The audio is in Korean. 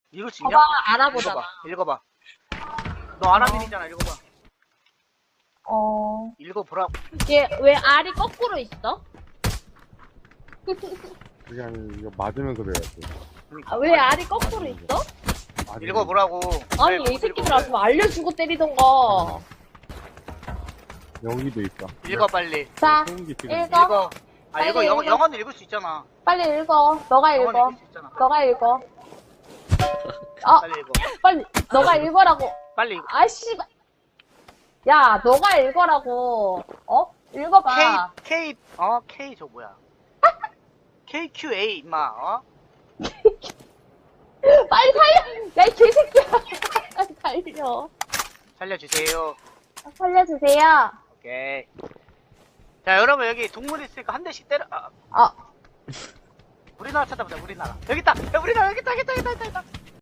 읽을 수 있냐? 봐봐, 알아보잖아. 읽어봐. 너 아랍인이잖아. 읽어봐. 읽어보라고. 얘 왜 알이 거꾸로 있어? 그게 아니라 이거 맞으면서 배워야지. 아, 왜 알이 거꾸로 있어? 읽어보라고. 아니, 왜 이 새끼들 읽어? 왔으면 알려주고 때리던가. 여기도 있다. 읽어 빨리. 자, 소음기 지금 읽어. 읽어. 아 빨리 읽어. 읽어. 영어는 읽을 수 있잖아. 빨리 읽어. 너가 영어는 읽어. 읽을 수 있잖아. 너가 읽어. 아, 빨리 읽어. 빨리, 너가 읽어라고. 빨리 읽어. 아씨. 야, 너가 읽어라고. 어? 읽어봐. K 저 뭐야? KQA 임마. 빨리 살려. 야, 이 개새끼야. 살려. 살려주세요. 살려주세요. 오케이. 자 여러분 여기 동물 있으니까 한 대씩 때려. 아, 우리나라 찾아보자. 우리나라. 여기 있다. 야, 우리나라 여기 있다.